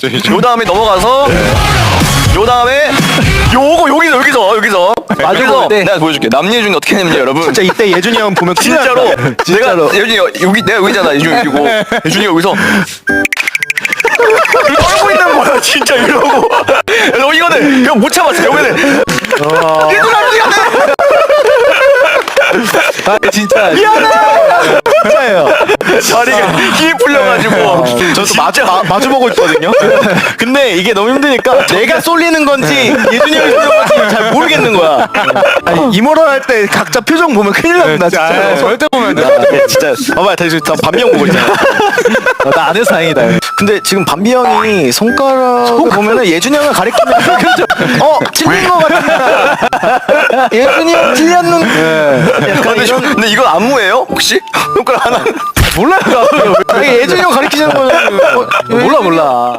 요 다음에 넘어가서 요 다음에 요거 여기서 마주보고 때. 내가 보여줄게. 남예준이 어떻게 했냐면 여러분 진짜 이때 예준이 형 보면 큰일 날 진짜로 거야. 진짜로. 내가 예준이 여기 내가 여기잖아. 예준이 여기고 예준이 여기서 떨고 있는 거야 진짜 이러고. 그래서 이거는 이거 못 참았어. 여기는 예준아 미안해. 아, 진짜 진짜예요. 자리가 힘이 풀려가지고 저도 마주보고 있거든요. 근데 이게 너무 힘드니까 내가 쏠리는 건지 예준이 형이 쏠리는 건지 잘 모르겠는 거야. 아니, 이모럴 할 때 각자 표정 보면 큰일 납니다. 진짜. 절대 보면 안 돼. 진짜 봐봐 다시 반비 형 보고 있잖아. 나 안 해서 다행이다. 근데 지금 반비 형이 손가락을 보면은 예준이 형을 가리키면 그렇죠. 틀린 거 같은데 예준이 형 틀렸는 약간 이런 근데 이건 안무예요 혹시? 손가락 하나 몰라요. 예준이 형 가리키자는 거잖아요. 몰라.